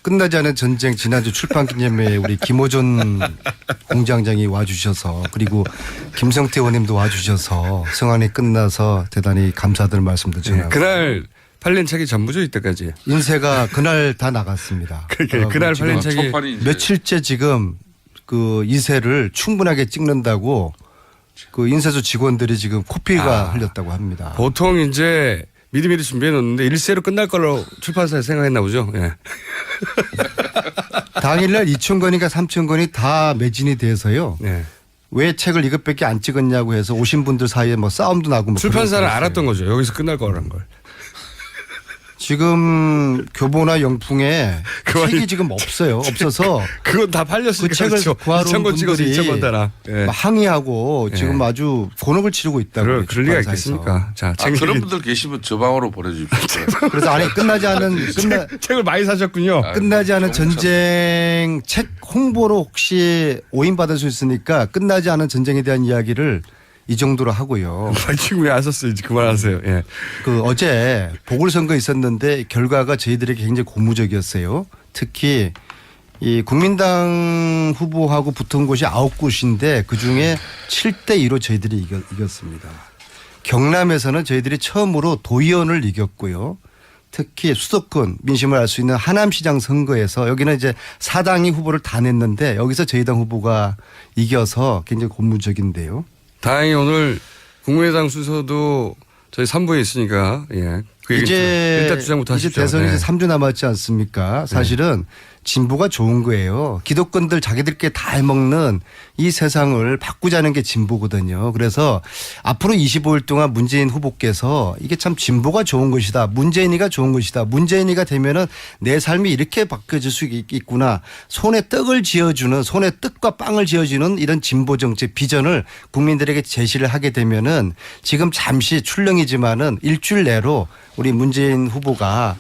끝나지 않은 전쟁 지난주 출판 기념회에 우리 김호준 공장장이 와주셔서 그리고 김성태 의원님도 와주셔서 성안이 끝나서 대단히 감사들 말씀도 전하고. 그날 팔린 책이 전부죠 이때까지. 인쇄가 그날 다 나갔습니다. 그날 팔린 책이 며칠째 지금 그 인쇄를 충분하게 찍는다고 그 인쇄소 직원들이 지금 코피가 흘렸다고 합니다. 보통 이제 미리미리 준비해 놓는데 일세로 끝날 걸로 출판사에 생각했나 보죠. 예. 당일날 2,000권인가 3,000권이 다 매진이 돼서요. 예. 왜 책을 이것밖에 안 찍었냐고 해서 오신 분들 사이에 뭐 싸움도 나고. 뭐 출판사는 알았던 거죠. 여기서 끝날 거라는 걸. 지금 교보나 영풍에 책이 지금 없어요. 없어서 그건 다 팔렸으니까. 그 책을 구하러 온 2,000권 찍어서 분들이 2,000권 달아. 예. 항의하고 지금 아주 곤혹을 치르고 있다고. 그럴 리가 있겠습니까? 자, 그런 분들 계시면 저 방으로 보내주십시오. 그래서 아니 끝나지 않은 책을 많이 사셨군요. 끝나지 않은 전쟁 책 홍보로 혹시 오인받을 수 있으니까 끝나지 않은 전쟁에 대한 이야기를 이 정도로 하고요. 지금 왜 안 썼어요? 이제 그만하세요. 예. 그 어제 보궐선거 있었는데 결과가 저희들에게 굉장히 고무적이었어요. 특히 이 국민당 후보하고 붙은 곳이 9곳인데 그중에 7대2로 저희들이 이겼습니다. 경남에서는 저희들이 처음으로 도의원을 이겼고요. 특히 수도권 민심을 알 수 있는 하남시장 선거에서 여기는 이제 사당이 후보를 다 냈는데 여기서 저희 당 후보가 이겨서 굉장히 고무적인데요. 다행히 오늘 국민의당 순서도 저희 3부에 있으니까 예. 그 이제 일단 주장부터 하십시오. 이제 대선이 네. 3주 남았지 않습니까? 사실은 진보가 좋은 거예요. 기득권들 자기들끼리 다 해먹는 이 세상을 바꾸자는 게 진보거든요. 그래서 앞으로 25일 동안 문재인 후보께서 이게 참 진보가 좋은 것이다. 문재인이가 좋은 것이다. 문재인이가 되면은 내 삶이 이렇게 바뀌어질 수 있구나. 손에 떡을 쥐어주는 손에 떡과 빵을 쥐어주는 이런 진보 정책 비전을 국민들에게 제시를 하게 되면은 지금 잠시 출렁이지만은 일주일 내로 우리 문재인 후보가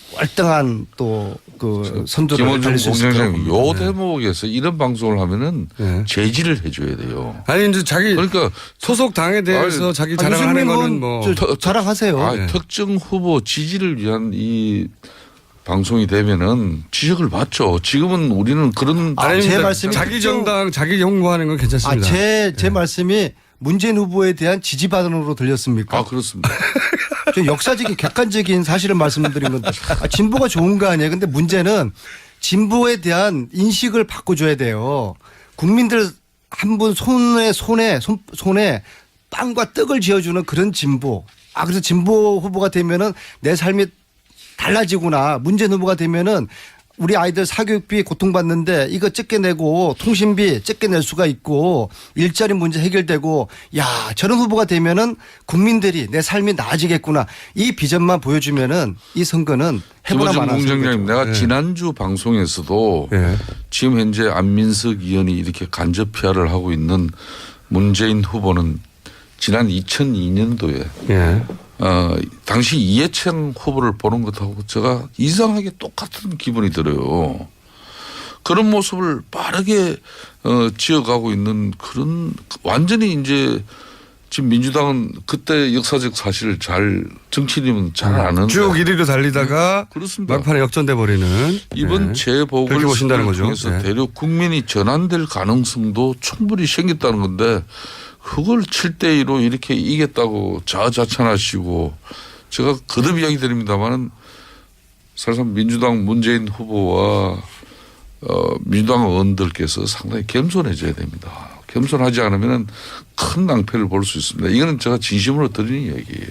월등한 또 그 선두를 김원중 달릴 수 있을 공장장님 거라고 요 봅니다. 대목에서 이런 방송을 하면은 네. 제지를 해줘야 돼요. 아니 이제 자기 그러니까 소속 당에 대해서 자기 자랑을 하는 거는 뭐 자랑하세요. 특정 후보 지지를 위한 이 방송이 되면은 지적을 받죠. 지금은 우리는 그런 제 말씀이 자기 정당 자기 홍보하는 건 괜찮습니다. 제 말씀이 문재인 후보에 대한 지지 반응으로 들렸습니까? 그렇습니다. 저 역사적인 객관적인 사실을 말씀드린 건데 진보가 좋은 거 아니에요. 근데 문제는 진보에 대한 인식을 바꿔줘야 돼요. 국민들 한 분 손에 빵과 떡을 쥐어주는 그런 진보. 그래서 진보 후보가 되면은 내 삶이 달라지구나. 문재인 후보가 되면은 우리 아이들 사교육비 고통받는데 이거 적게 내고 통신비 적게 낼 수가 있고 일자리 문제 해결되고 야 저런 후보가 되면은 국민들이 내 삶이 나아지겠구나. 이 비전만 보여주면은 이 선거는 해보나 김원중 마나. 공장장님 내가 지난주 방송에서도 지금 현재 안민석 의원이 이렇게 간접 PR을 하고 있는 문재인 후보는 지난 2002년도에 당시 이해창 후보를 보는 것하고 제가 이상하게 똑같은 기분이 들어요. 그런 모습을 빠르게 지어가고 있는 그런 완전히 이제 지금 민주당은 그때 역사적 사실을 정치인이면 잘 아는 쭉 1위로 달리다가 그렇습니다. 막판에 역전돼 버리는 이번 재보궐 그렇게 보신다는 거죠. 통해서 대륙 국민이 전환될 가능성도 충분히 생겼다는 건데 그걸 7대2로 이렇게 이겼다고 자아자찬하시고 제가 거듭 이야기 드립니다마는 사실상 민주당 문재인 후보와 민주당 의원들께서 상당히 겸손해져야 됩니다. 겸손하지 않으면 큰 낭패를 볼 수 있습니다. 이거는 제가 진심으로 드리는 이야기예요.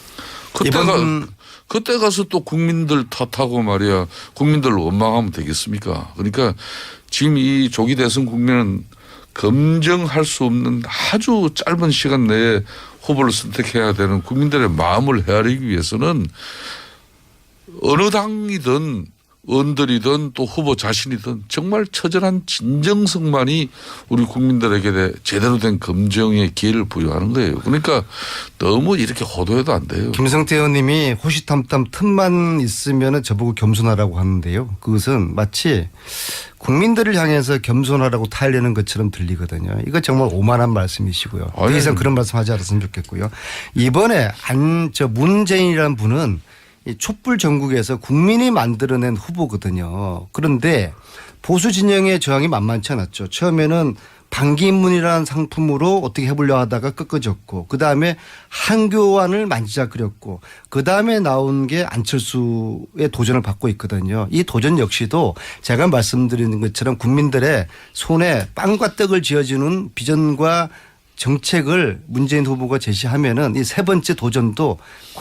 그때 가서 또 국민들 탓하고 말이야 국민들 원망하면 되겠습니까? 그러니까 지금 이 조기 대선 국면은 검증할 수 없는 아주 짧은 시간 내에 후보를 선택해야 되는 국민들의 마음을 헤아리기 위해서는 어느 당이든 의원들이든 또 후보 자신이든 정말 처절한 진정성만이 우리 국민들에게 제대로 된 검증의 기회를 부여하는 거예요. 그러니까 너무 이렇게 호도해도 안 돼요. 김성태 의원님이 호시탐탐 틈만 있으면 저보고 겸손하라고 하는데요. 그것은 마치 국민들을 향해서 겸손하라고 타일내는 것처럼 들리거든요. 이거 정말 오만한 말씀이시고요. 더 이상 그런 말씀 하지 않았으면 좋겠고요. 이번에 문재인이라는 분은 이 촛불 전국에서 국민이 만들어낸 후보거든요. 그런데 보수 진영의 저항이 만만치 않았죠. 처음에는 반기문이라는 상품으로 어떻게 해보려 하다가 꺾어졌고 그다음에 한교안을 만지작거렸고 그다음에 나온 게 안철수의 도전을 받고 있거든요. 이 도전 역시도 제가 말씀드리는 것처럼 국민들의 손에 빵과 떡을 쥐어주는 비전과 정책을 문재인 후보가 제시하면은 이 세 번째 도전도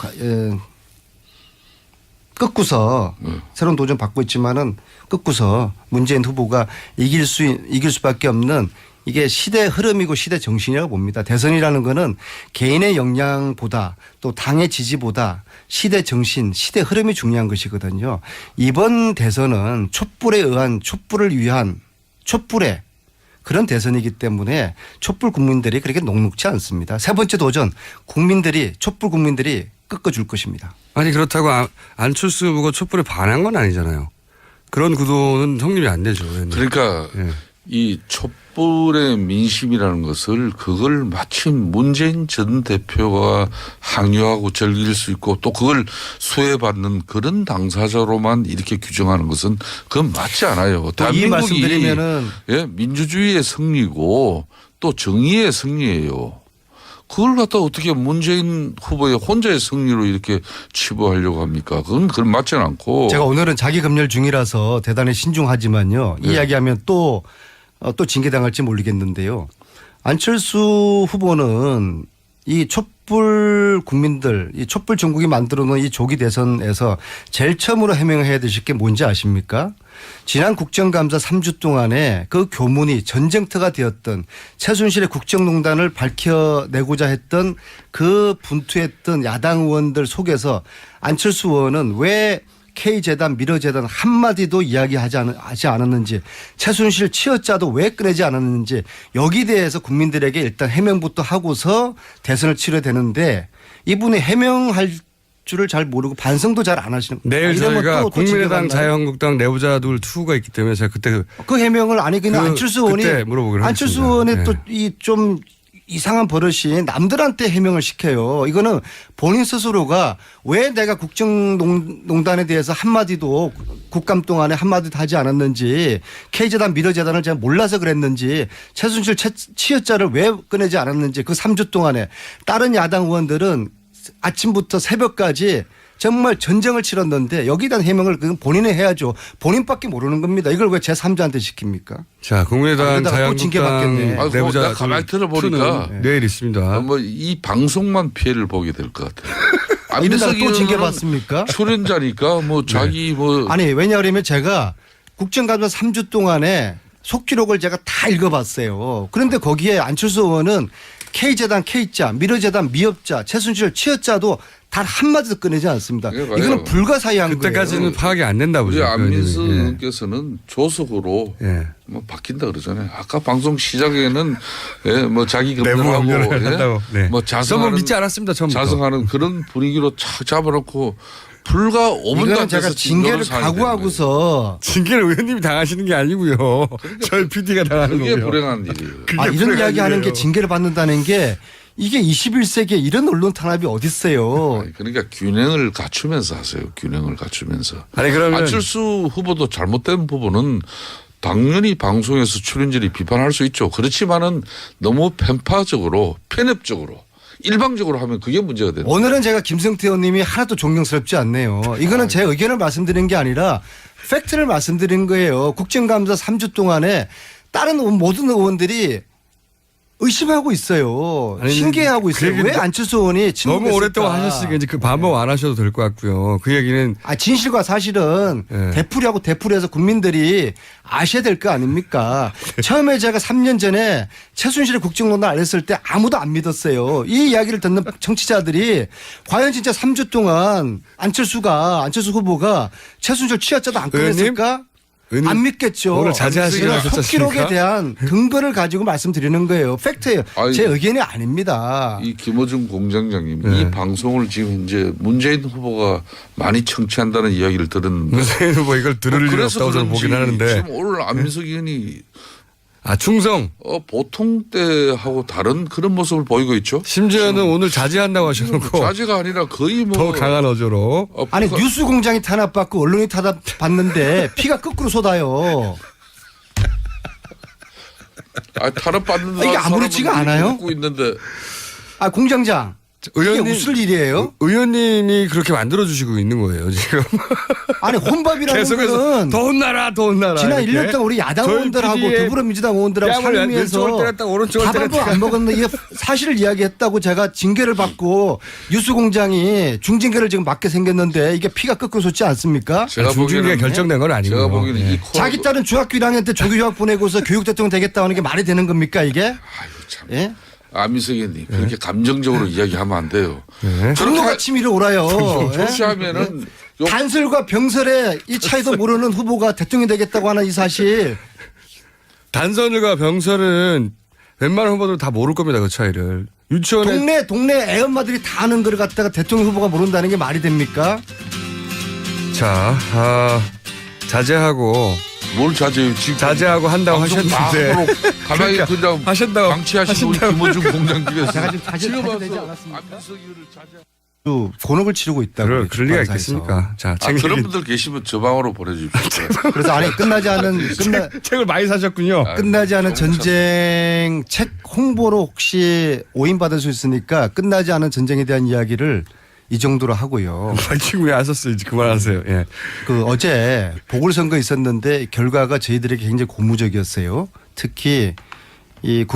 꺾고서 새로운 도전 받고 있지만은 꺾고서 문재인 후보가 이길 수밖에 없는 이게 시대 흐름이고 시대 정신이라고 봅니다. 대선이라는 거는 개인의 역량보다 또 당의 지지보다 시대 정신, 시대 흐름이 중요한 것이거든요. 이번 대선은 촛불을 위한 촛불의 그런 대선이기 때문에 촛불 국민들이 그렇게 녹록지 않습니다. 세 번째 도전 촛불 국민들이 꺾어줄 것입니다. 아니 그렇다고 안철수 후보가 촛불에 반한 건 아니잖아요. 그런 구도는 성립이 안 되죠. 그러니까 예. 이 촛불의 민심이라는 것을 그걸 마침 문재인 전 대표가 항의하고 즐길 수 있고 또 그걸 수혜받는 그런 당사자로만 이렇게 규정하는 것은 그건 맞지 않아요. 이 말씀드리면은 예, 민주주의의 승리고 또 정의의 승리예요. 그걸 갖다 어떻게 문재인 후보의 혼자의 승리로 이렇게 치부하려고 합니까? 그건 맞지는 않고. 제가 오늘은 자기 검열 중이라서 대단히 신중하지만요. 이 이야기하면 또 징계당할지 모르겠는데요. 안철수 후보는 이 촛불 국민들, 이 촛불 전국이 만들어 놓은 이 조기 대선에서 제일 처음으로 해명해야 되실 게 뭔지 아십니까? 지난 국정감사 3주 동안에 그 교문이 전쟁터가 되었던 최순실의 국정농단을 밝혀내고자 했던 그 분투했던 야당 의원들 속에서 안철수 의원은 왜 K재단, 미러재단 한마디도 이야기하지 않았는지 최순실 치여자도 왜 꺼내지 않았는지 여기 대해서 국민들에게 일단 해명부터 하고서 대선을 치러야 되는데 이분이 해명할 줄을 잘 모르고 반성도 잘 안 하시는 거예요. 내일 저희가 국민의당 자유한국당 내부자들 투가 있기 때문에 제가 그때 그 해명을 아니 그냥 안철수 의원이 안철수 의원의 네. 또 이 좀 이상한 버릇이 남들한테 해명을 시켜요. 이거는 본인 스스로가 왜 내가 국정농단에 대해서 한마디도 국감 동안에 한마디도 하지 않았는지 K재단 미러재단을 제가 몰라서 그랬는지 최순실 치여자를 왜 꺼내지 않았는지 그 3주 동안에 다른 야당 의원들은 아침부터 새벽까지 정말 전쟁을 치렀는데 여기에 대한 해명을 그건 본인이 해야죠. 본인밖에 모르는 겁니다. 이걸 왜 제3자한테 시킵니까? 자, 국민의당 자유한국당 내부자 가만히 들어보니까 내일 있습니다. 뭐 이 방송만 피해를 보게 될 것 같아요. 이러다가 또 징계받습니까? 출연자니까 뭐 자기 뭐 아니 왜냐하면 제가 국정감사 3주 동안에 속기록을 제가 다 읽어봤어요. 그런데 거기에 안철수 의원은 K재단 K자, 미러재단 미업자, 최순실 치여자도 단 한마디도 꺼내지 않습니다. 이거는 불가사의한 거예요. 그때까지는 파악이 안 된다 보죠. 우리 안민수 의원께서는 조속으로 뭐 바뀐다 그러잖아요. 아까 방송 시작에는 뭐 자기 검열하고 뭐 자성하는 믿지 않았습니다. 처음부터. 자성하는 그런 분위기로 착 잡아놓고 불과 5분도 안 제가 징계를 각오하고서 징계를 의원님이 당하시는 게 아니고요. 그러니까 저희 PD가 당하는 거고요. 그게 불행한 일이에요. 이런 이야기하는 게 징계를 받는다는 게 이게 21세기에 이런 언론 탄압이 어디 있어요. 그러니까 균형을 갖추면서 하세요. 균형을 갖추면서. 아니 그러면 안철수 후보도 잘못된 부분은 당연히 방송에서 출연진이 비판할 수 있죠. 그렇지만은 너무 편파적으로 편협적으로 일방적으로 하면 그게 문제가 되는 거예요. 오늘은 제가 김성태 의원님이 하나도 존경스럽지 않네요. 이거는 제 의견을 말씀드린 게 아니라 팩트를 말씀드린 거예요. 국정감사 3주 동안에 다른 모든 의원들이 의심하고 있어요. 아니, 신기해하고 있어요. 왜 안철수 의원이 너무 오랫동안 하셨으니까 이제 그 반복 안 하셔도 될 것 같고요. 그 얘기는 진실과 사실은 되풀이하고 되풀이해서 국민들이 아셔야 될 거 아닙니까? 처음에 제가 3년 전에 최순실의 국정농단 알렸을 때 아무도 안 믿었어요. 이 이야기를 듣는 청취자들이 과연 진짜 3주 동안 안철수 후보가 최순실 치여자도 안 꺼냈을까? 안 믿겠죠. 오늘 자제하시기로 속기록에 대한 근거를 가지고 말씀드리는 거예요. 팩트예요. 제 의견이 아닙니다. 이 김어준 공장장님 이 방송을 지금 현재 문재인 후보가 많이 청취한다는 이야기를 들었는데 문재인 후보 이걸 들을 일 없다고 저는 보긴 하는데 지금 오늘 안민석 의원이 아, 충성. 보통 때하고 다른 그런 모습을 보이고 있죠. 심지어는 오늘 자제한다고 하셔놓고 자제가 아니라 거의 뭐 더 강한 어조로. 아니 뉴스 공장이 탄압받고 언론이 탄압받는데 피가 거꾸로 쏟아요. 탄압받는 이게 아무렇지가 않아요? 듣고 있는데 아 공장장 이게 웃을 일이에요? 의원님이 그렇게 만들어주시고 있는 거예요, 지금. 아니 혼밥이라는 계속해서 거는 더 혼나라, 더 혼나라. 지난 이렇게. 1년 동안 우리 야당 저희 의원들하고 PD의 더불어민주당 의원들하고 뺨을 상의해서 왼쪽을 때렸다, 오른쪽을 밥을 때렸다. 안 먹었는데 이게 사실을 이야기했다고 제가 징계를 받고 뉴스공장이 중징계를 지금 맞게 생겼는데 이게 피가 거꾸로 솟지 않습니까? 제가 중징계가 보기에는 결정된 건 아니고요. 제가 보기에는 예. 이 코너 자기 딸은 중학교 1학년 때 조교 휴학 보내고서 교육 대통령 되겠다 하는 게 말이 되는 겁니까 이게? 아유 참. 예? 안민석 의원님 그렇게 감정적으로 이야기하면 안 돼요. 네. 분노가 치밀어 오라요. 예? 그렇게 하면은 단술과 병설의 이 차이도 모르는 후보가 대통령이 되겠다고 하는 이 사실. 단선과 병설은 웬만한 후보들 다 모를 겁니다, 그 차이를. 유치원에 동네 애엄마들이 다 아는 걸 갖다가 대통령 후보가 모른다는 게 말이 됩니까? 자, 자제하고 뭘 자제해요? 지금 자제하고 한다고 방송 다 하셨는데 하도록 가만히 그냥 하신다고 방치하신 우리 김호중 공장님께서 제가 지금 자제되지 와서 않았습니까? 안민석 의원을 자제. 또 곤혹을 치르고 있다고. 그럴 리가 출판사에서. 있겠습니까? 자, 그런 분들 계시면 저 방으로 보내주십시오. 그래서 아니 끝나지 않은 책을 많이 사셨군요. 끝나지 않은 전쟁 책 홍보로 혹시 오인 받을 수 있으니까 끝나지 않은 전쟁에 대한 이야기를 이 정도로 하고요. 지금 왜 안 썼어요? 이제 그만하세요. 예. 그 어제 보궐선거 있었는데 결과가 저희들에게 굉장히 고무적이었어요. 특히 이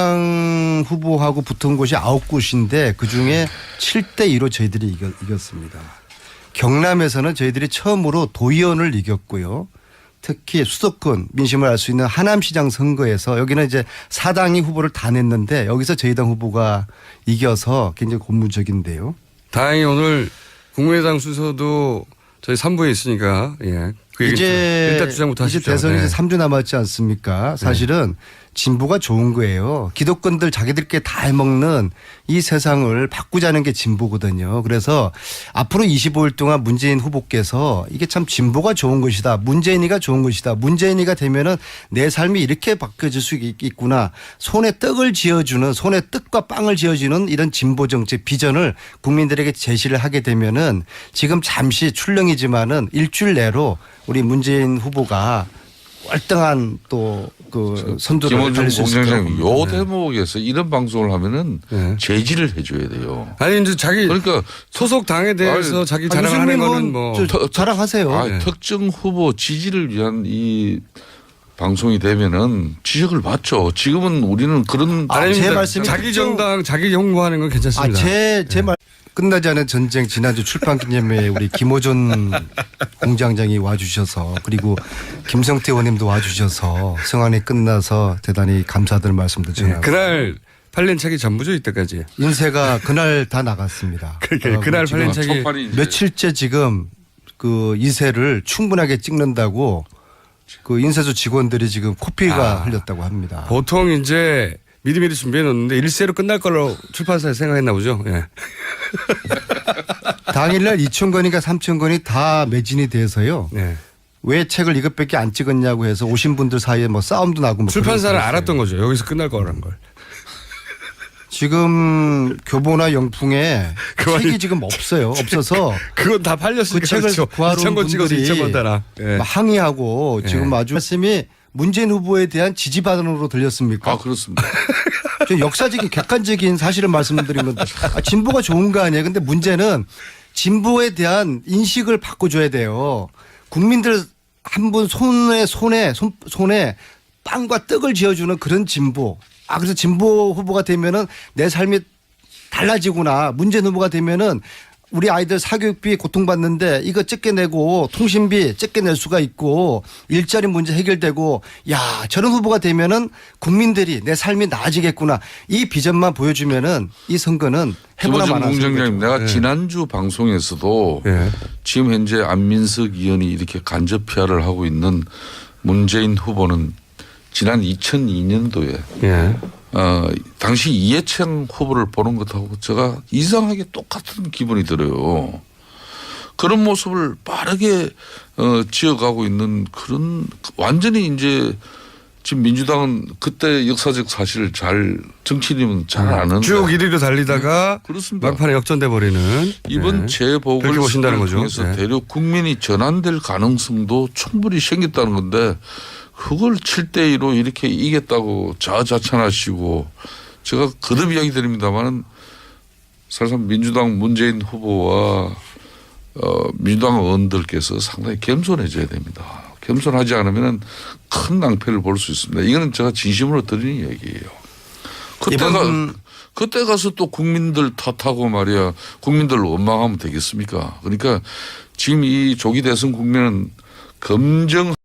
국민당 후보하고 붙은 곳이 9곳인데 그중에 7대2로 저희들이 이겼습니다. 경남에서는 저희들이 처음으로 도의원을 이겼고요. 특히 수도권 민심을 알 수 있는 하남시장 선거에서 여기는 이제 사당이 후보를 다 냈는데 여기서 저희 당 후보가 이겨서 굉장히 고무적인데요. 다행히 오늘 국민의당 순서도 저희 3부에 있으니까 예. 그 얘기 일단 주장부터 이제 하십시오. 대선이 네. 이제 3주 남았지 않습니까? 사실은 진보가 좋은 거예요. 기득권들 자기들끼리 다 해먹는 이 세상을 바꾸자는 게 진보거든요. 그래서 앞으로 25일 동안 문재인 후보께서 이게 참 진보가 좋은 것이다. 문재인이가 좋은 것이다. 문재인이가 되면은 내 삶이 이렇게 바뀌어질 수 있구나. 손에 떡을 쥐어주는 손에 떡과 빵을 쥐어주는 이런 진보 정책 비전을 국민들에게 제시를 하게 되면은 지금 잠시 출렁이지만은 일주일 내로 우리 문재인 후보가 월등한 또 그 선두를 김원중 달릴 수 있을 공장장님 거라고 요 대목에서 이런 방송을 하면은 네. 제지를 해줘야 돼요. 아니 이제 자기 그러니까 소속 당에 대해서 아니, 자기 자랑하는 거는 뭐 자랑하세요. 특정 후보 지지를 위한 이 방송이 되면은 지적을 받죠. 지금은 우리는 그런 제 말씀이 자기 특정- 정당 자기 홍보하는 건 괜찮습니다. 제 말 끝나지 않은 전쟁 지난주 출판 기념회에 우리 김호준 공장장이 와주셔서 그리고 김성태 의원님도 와주셔서 성안이 끝나서 대단히 감사들 말씀도 전하고 그날 팔린 책이 전부죠 이때까지. 인쇄가 그날 다 나갔습니다. 그날 지금 팔린 책이 첫판이 이제 며칠째 지금 그 인쇄를 충분하게 찍는다고 그 인쇄소 직원들이 지금 코피가 흘렸다고 합니다. 보통 이제 미리미리 준비해 놓는데 일세로 끝날 걸로 출판사에 생각했나 보죠. 예. 당일날 2,000건인가 3,000건이 다 매진이 돼서요. 네. 왜 책을 이것밖에 안 찍었냐고 해서 오신 분들 사이에 뭐 싸움도 나고 뭐 출판사는 그런 거 알았던 거죠. 여기서 끝날 거라는 걸. 지금 교보나 영풍에 그만이- 책이 지금 없어요. 없어서 그건 다 팔렸으니까 그 책을 그렇죠. 구하러 온 2,000권 찍어서 분들이 2,000권 달아. 예. 막 항의하고 지금 아주 말씀이 문재인 후보에 대한 지지 반응으로 들렸습니까? 그렇습니다. 저 역사적인 객관적인 사실을 말씀드린 건데 진보가 좋은 거 아니에요. 근데 문제는 진보에 대한 인식을 바꿔줘야 돼요. 국민들 한 분 손에 빵과 떡을 쥐어주는 그런 진보. 그래서 진보 후보가 되면은 내 삶이 달라지구나. 문재인 후보가 되면은 우리 아이들 사교육비 고통받는데 이거 적게 내고 통신비 적게 낼 수가 있고 일자리 문제 해결되고 야 저런 후보가 되면은 국민들이 내 삶이 나아지겠구나. 이 비전만 보여주면은 이 선거는 해보나 김호중 마나. 공장장님 내가 지난주 방송에서도 예. 지금 현재 안민석 의원이 이렇게 간접 PR을 하고 있는 문재인 후보는 지난 2002년도에 예. 당시 이해창 후보를 보는 것하고 제가 이상하게 똑같은 기분이 들어요. 그런 모습을 빠르게 지어가고 있는 그런 완전히 이제 지금 민주당은 그때 역사적 사실을 잘 정치인이면 잘 아는데 쭉 1위로 달리다가 그렇습니다. 막판에 역전돼 버리는 이번 그렇게 보신다는 재보궐선거를 거죠. 통해서 네. 대륙 국민이 전환될 가능성도 충분히 생겼다는 건데 그걸 7대2로 이렇게 이겼다고 자아자찬하시고 제가 거듭 이야기 드립니다마는 사실상 민주당 문재인 후보와 민주당 의원들께서 상당히 겸손해져야 됩니다. 겸손하지 않으면 큰 낭패를 볼 수 있습니다. 이거는 제가 진심으로 드리는 얘기예요. 그때 가서 또 국민들 탓하고 말이야 국민들 원망하면 되겠습니까? 그러니까 지금 이 조기 대선 국면은 검증